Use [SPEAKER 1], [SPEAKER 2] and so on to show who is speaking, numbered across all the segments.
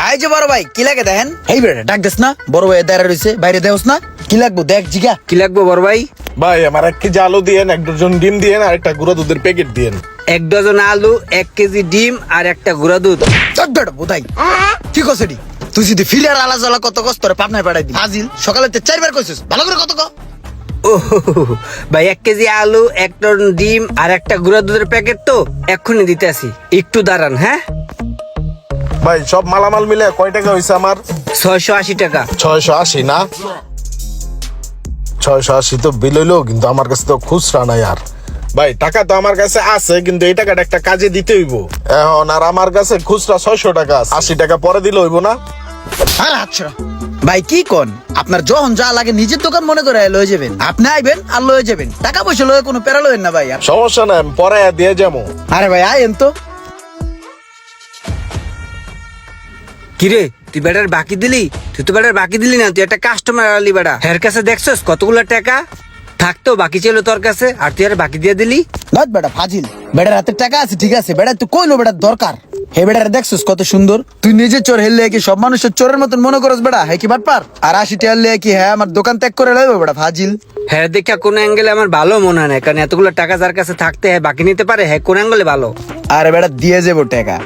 [SPEAKER 1] এই যে বড় ভাই কি লাগে দেখেন। এই বেটা ডাক দেস না, বড় ভাই দাঁড়া রইছে, বাইরে দেওস না। কি লাগবো দেখ জিগা।
[SPEAKER 2] কি লাগবে বড় ভাই?
[SPEAKER 3] ভাই আমার 1 কেজি আলু দিয়েন, 1 ডজন ডিম দিয়েন আর একটা গুঁড়া দুধের প্যাকেট দিয়েন।
[SPEAKER 2] 1 ডজন আলু, 1 কেজি ডিম আর একটা গুঁড়া দুধ।
[SPEAKER 1] চক বেটা বোধাই কি কসেডি তুই যদি ফিলার আলা জ্বালা কত কষ্ট করে পাবনায় পাঠাই দি হাজিল সকালে 4বার কইছিস ভালো করে কত ক।
[SPEAKER 2] ও ভাই 1 কেজি আলু, 1 টন ডিম আর একটা গুঁড়া দুধের প্যাকেট তো এক্ষুনি দিতে আসি, একটু দাঁড়ান। হ্যাঁ
[SPEAKER 3] ভাই সব মালামাল মিলে কয় টাকা হইছে আমার?
[SPEAKER 2] 680 টাকা।
[SPEAKER 3] 680 না? 680 তো বিল হইলো, কিন্তু আমার কাছে তো খুচরা নাই। আর ভাই টাকা তো আমার কাছে আছে, কিন্তু এই টাকাটা একটা কাজে দিতে হইব এখন। আর আমার কাছে খুচরা 600 টাকা আছে, 80 টাকা পরে দিলে হইব না?
[SPEAKER 1] আরে আচ্ছা ভাই কি কোন, আপনার যখন যা লাগে নিজের দোকান মনে করে লয়ে যাবেন। আপনি আইবেন আর লয়ে যাবেন, টাকা পয়সা লয়ে কোনো প্যারা লয়েন না ভাই।
[SPEAKER 3] সমস্যা নাই, আমি পরে দিয়ে যাবো।
[SPEAKER 1] আরে ভাই আইন তো।
[SPEAKER 2] কিরে তুই বেটার বাকি দিলি? তুই তো বেটার বাকি দিলি না, তুই একটা কাস্টমার আলি বেটা। হের কাছে দেখছস কতগুলো টাকা থাকতো বাকি ছিল তোর কাছে, আর তুই আর বাকি দিয়ে দিলি।
[SPEAKER 1] নট বেটা ফাজিল, বেটার হাতে টাকা আছে ঠিক আছে, বেটা তুই কইলো বেটার দরকার। হে বেটারে দেখছস কত সুন্দর, তুই নিজে চোর হেললে কি সব মানুষের চোরের মতন মনে করস বেটা? হ্যাঁ কি বাটপার? আর 80 টাকা হলে কি হ্যাঁ আমার দোকান ত্যাগ করে লইব বেটা ফাজিল?
[SPEAKER 2] হ্যাঁ দেখা কোন অ্যাঙ্গেলে আমার ভালো মনে হয় না, কারণ এতগুলো টাকা যার কাছে থাকতে হ্যাঁ বাকি নিতে পারে, হ্যাঁ কোন অ্যাঙ্গেলে ভালো।
[SPEAKER 1] আরে বেটা দিয়ে যাবো টাকা।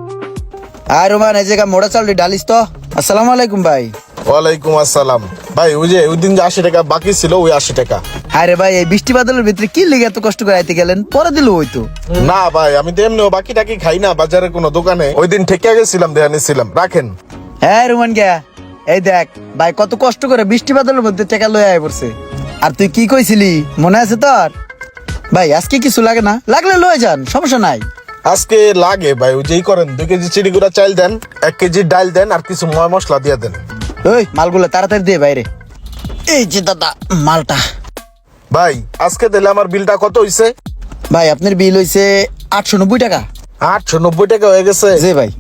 [SPEAKER 1] আর রোমান এই জায়গা মোড়া চাল ডালিস তো। আসসালামু আলাইকুম ভাই।
[SPEAKER 3] ওয়ালাইকুম আসসালাম। ভাই ওই যে ওই দিন যে 80 টাকা বাকি ছিল, ওই 80 টাকা।
[SPEAKER 1] আরে ভাই এই বৃষ্টি বাদলের ভিতরে কি লেগে এত কষ্ট করে আইতে গেলেন? পরে দিল ওই তো।
[SPEAKER 3] না ভাই আমি তো এমনিও বাকি টাকি খাই না বাজারের কোনো দোকানে, ওই দিন ঠেকে গেছিলাম, দেয়া নিছিলাম, রাখেন।
[SPEAKER 1] হ্যাঁ রোমান গিয়া এই দেখ ভাই কত কষ্ট করে বৃষ্টি বাদলের মধ্যে টাকা লয়ে আয় পড়ছে। আর তুই কি কইছিলি মনে আছে তোর? ভাই আজকে কিছু লাগে না, লাগলে লয়ে যান, সমস্যা নাই।
[SPEAKER 3] আজকে লাগে ভাই, ওই যেই করেন 2 কেজি চিনি গুঁড়া চাল দেন, 1 কেজি ডাল দেন আর কিছু ময় মশলা দিয়ে দেন।
[SPEAKER 1] ওই মালগুলো তাড়াতাড়ি দিয়ে বাইরে। এই যে দাদা মালটা।
[SPEAKER 3] ভাই আজকে দিলে আমার বিলটা কত হইছে?
[SPEAKER 1] ভাই আপনার বিল হইছে 890 টাকা।
[SPEAKER 3] 890 টাকা হয়ে গেছে?
[SPEAKER 1] জি ভাই।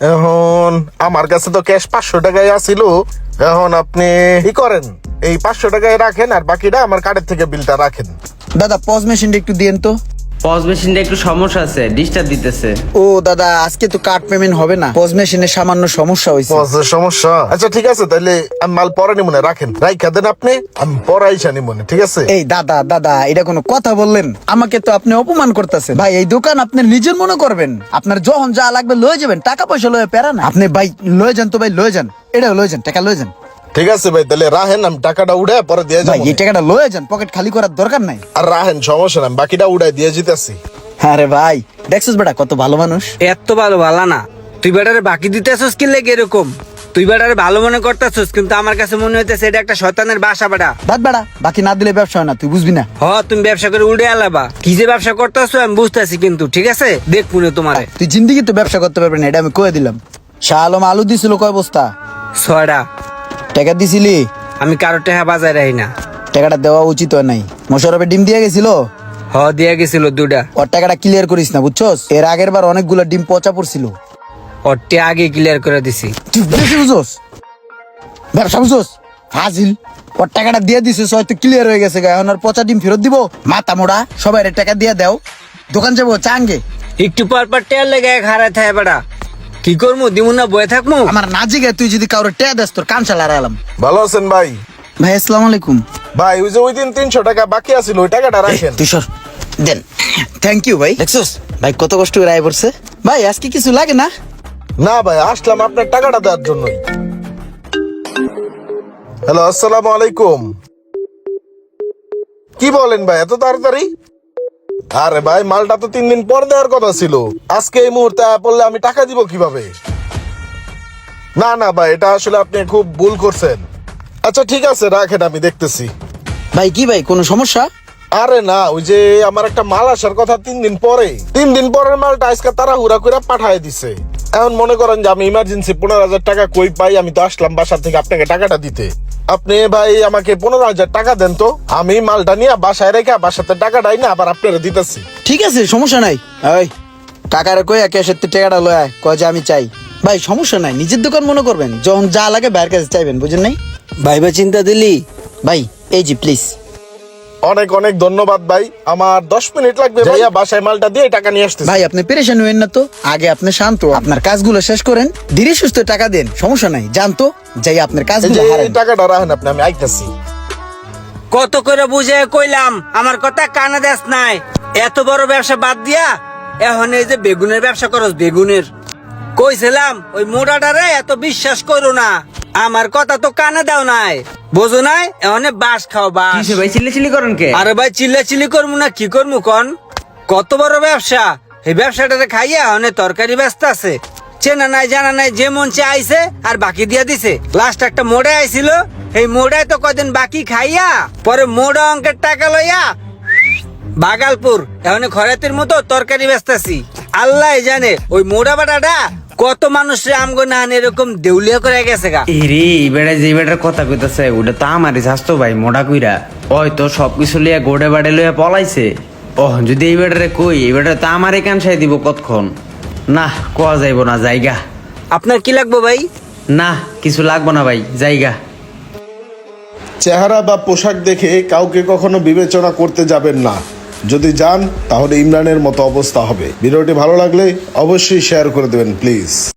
[SPEAKER 3] এখন আমার কাছে তো ক্যাশ 500 টাকাই আছিল। এখন আপনি কি করেন, এই 500 টাকায় রাখেন আর বাকিটা আমার কার্ডের থেকে বিলটা রাখেন।
[SPEAKER 1] দাদা পজ মেশিনটা একটু দিয়েন তো।
[SPEAKER 4] পজ মেশিনটা একটু সমস্যা আছে, ডিস্টার্ব দিতেছে।
[SPEAKER 1] ও দাদা আজকে তো কার্ড পেমেন্ট হবে না, পজ মেশিনের সামান্য সমস্যা হয়েছে।
[SPEAKER 3] পজের সমস্যা? আচ্ছা ঠিক আছে, তাহলে আমি মাল পরে নিব না, রাখেন, রাইখা দেন আপনি, আমি পরে আইসা নিব না, ঠিক আছে?
[SPEAKER 1] এই দাদা দাদা এটা কোনো কথা বললেন? আমাকে তো আপনি অপমান করতেছেন ভাই। এই দোকান আপনি নিজের মনে করবেন, আপনার যখন যা লাগবে লয়ে যাবেন, টাকা পয়সা লয়ে পেরা না। আপনি ভাই লয়ে যান তো ভাই, লয়ে যান, এটা লয়ে যান, টাকা লয়ে যান।
[SPEAKER 3] ঠিক আছে ভাই, তাহলে রাহেন, আমি টাকাটা উড়ে পরে দিয়ে
[SPEAKER 1] ভাই
[SPEAKER 3] যাবো।
[SPEAKER 1] এই টাকাটা লয়ে যান, পকেট খালি করার দরকার নাই।
[SPEAKER 3] আর রাহেন, সমস্যা নাই, বাকিটা উড়াই দিয়ে যেতেছি।
[SPEAKER 1] আরে ভাই দেখছিস বেটা কত ভালো মানুষ।
[SPEAKER 2] এত ভালো ভালো না, তুই বেটারে বাকি দিতে আসছিস কি লেগে এরকম? তুই বেটারে ভালো মনে করতেছিস, কিন্তু আমার কাছে মনে হইতেছে এটা একটা শয়তানের বাসা বেটা।
[SPEAKER 1] বাদ বেটা, বাকি না দিলে ব্যবসা হয় না, তুই বুঝবি না।
[SPEAKER 2] হ তুমি ব্যবসা করে উড়ে আলাবা, কি যে ব্যবসা করতেছো আমি বুঝতেছি, কিন্তু ঠিক আছে দেখ মনে তোমারে।
[SPEAKER 1] তুই জিন্দিগি তো ব্যবসা করতে পারবি না, এটা আমি কয়ে দিলাম। শাহ আলম আলু দিছিল কয় বস্তা?
[SPEAKER 2] 6টা।
[SPEAKER 1] টাকা দিছিলি?
[SPEAKER 2] আমি কারো টাকা বাজায় রাখি না।
[SPEAKER 1] টাকাটা দেওয়া উচিত হয় নাই। মোশারফে ডিম দিয়ে গেছিল,
[SPEAKER 2] হ দিয়া গেছিল 2টা।
[SPEAKER 1] ওর টাকাটা ক্লিয়ার করিস না বুঝছস? এর আগের বার অনেকগুলো ডিম পচা পড়ছিল।
[SPEAKER 2] ওরটা আগে ক্লিয়ার করে দিছি।
[SPEAKER 1] তুই বেশি বুঝছস, ব্যবসা বুঝছস ফাজিল। ওর টাকাটা দিয়ে দিছিস হয়তো ক্লিয়ার হয়ে গেছে, এখন আর পচা ডিম ফেরত দিব? মাথা মোড়া, সবাই টাকা দিয়ে দাও, দোকান যাবো চাঙ্গে।
[SPEAKER 2] একটু পর পর টেয়ার লেগে হারায় থাকে বেটা, কি করবো দিমু না বয়ে থাকবো?
[SPEAKER 1] আমার না জিগে তুই যদি কারোর টেয়া দেস তোর কান চালা এলাম।
[SPEAKER 3] ভালো আছেন ভাই?
[SPEAKER 1] ভাই আসসালামু আলাইকুম।
[SPEAKER 3] ভাই ওই যে ওই দিন 300 টাকা বাকি আছিল, ওই টাকাটা রাখেন।
[SPEAKER 1] তুই সর দেন। থ্যাংক ইউ ভাই। দেখছস ভাই কত কষ্ট করে আয় পড়ছে। ভাই আজকে কিছু লাগে না?
[SPEAKER 3] না ভাই, আসলাম আপনার টাকাটা দেওয়ার জন্যই। হ্যালো, আসসালামু আলাইকুম। কি বলেন ভাই এত তাড়াতাড়ি? আরে ভাই মালটা তো 3 দিন পর দেওয়ার কথা ছিল, আজকে এই মুহূর্তে পড়লে আমি টাকা দিব কিভাবে? না না ভাই, এটা আসলে আপনি খুব ভুল করছেন। আচ্ছা ঠিক আছে রাখেন, আমি দেখতেছি।
[SPEAKER 1] ভাই কি ভাই কোনো সমস্যা?
[SPEAKER 3] আরে না, ওই যে আমার একটা মাল আসার কথা 3 দিন পরে, 3 দিন পরের মালটা আজকে তাড়াহুড়া করে পাঠায় দিছে। এখন মনে করেন যে আমি ইমার্জেন্সি 15,000 টাকা কই পাই, আমি তো আসলাম বাসা থেকে আপনাকে টাকাটা দিতে। আপনি ভাই আমাকে 15,000 টাকা দেন তো, আমি মালটা নিয়ে বাসায় রেখে বাসাতে টাকাটাই না আবার আপনারা দিতেছি।
[SPEAKER 1] ঠিক আছে সমস্যা নাই। ওই কাকারে কই ক্যাশের টাকাটা লয় আয়, কয় যে আমি চাই। ভাই সমস্যা নাই, নিজের দোকান মনে করবেন, যখন যা লাগে বাইরের কাছে চাইবেন, বুঝেন নাই?
[SPEAKER 2] ভাইবা চিন্তা দিলি?
[SPEAKER 1] ভাই এই জি প্লিজ।
[SPEAKER 3] অনেক অনেক ধন্যবাদ ভাই, আমার 10 মিনিট লাগবে ভাইয়া, বাসায় মালটা দিয়ে টাকা নিয়ে আসতেছি।
[SPEAKER 1] ভাই আপনি পেরেশান হইেন না তো, আগে আপনি শান্ত আপনার কাজগুলো শেষ করেন, ধীরে সুস্থ টাকা দেন, সমস্যা নাই, জানতো যাই আপনার
[SPEAKER 3] এই
[SPEAKER 1] কাজগুলো
[SPEAKER 3] যে
[SPEAKER 1] হারেন।
[SPEAKER 3] এই টাকাটা রাখেন আপনি, আমি আইতাছি।
[SPEAKER 2] কত করে বুঝে কইলাম, আমার কথা কানে দেস নাই। এত বড় ব্যবসা বাদ দিয়া এখন এই যে বেগুনের ব্যবসা করস, বেগুনের। কইছিলাম ওই মোড়াটারে এত বিশ্বাস করো না, আমার কথা তো কানে দাও নাই, বোঝো নাই? এখন বাস খাও বাস।
[SPEAKER 4] কিসে ভাই চিল্লি করেন কে?
[SPEAKER 2] আরে ভাই চিল্লা করবো না কি করবো কন? কত বড় ব্যবসা, এই ব্যবসাটাতে খাইয়া অনেক তরকারি ব্যস্ত আছে, চেনা নাই জানা নাই, যে মন চে আইছে আর বাকি দিয়া দিছে। লাস্ট একটা মোড়ে আইছিল, এই মোড়ায় তো কদিন বাকি খাইয়া পরে মোড়া অঙ্কের টাকা লইয়া বাগালপুর এখন খরাতের মতো তরকারি ব্যস্তাছি। আল্লাহ জানে ওই মোড়া বাটাটা কত মানুষের আমগো না এরকম দেউলিয়া করে গেছে গা।
[SPEAKER 4] এরে বেড়া যে বেটার কথা কইতাছে ওটা তো আমারই স্বাস্থ্য ভাই, মোটা কইরা ওই তো সবকিছু লিয়া গোড়ে বাড়ে লইয়া পলাইছে। ও যদি এই বেটারে কই, এই বেটারে তো আমারই কানসাই দিব কতক্ষণ। না কোয়া যাইব না, জায়গা।
[SPEAKER 2] আপনার কি লাগবে ভাই?
[SPEAKER 4] না কিছু লাগবো না ভাই, জায়গা।
[SPEAKER 3] চেহারা বা পোশাক দেখে কাউকে কখনো বিবেচনা করতে যাবেন না, যদি যান তাহলে ইমরানের মতো অবস্থা হবে। ভিডিওটি ভালো লাগলে অবশ্যই শেয়ার করে দেবেন প্লিজ।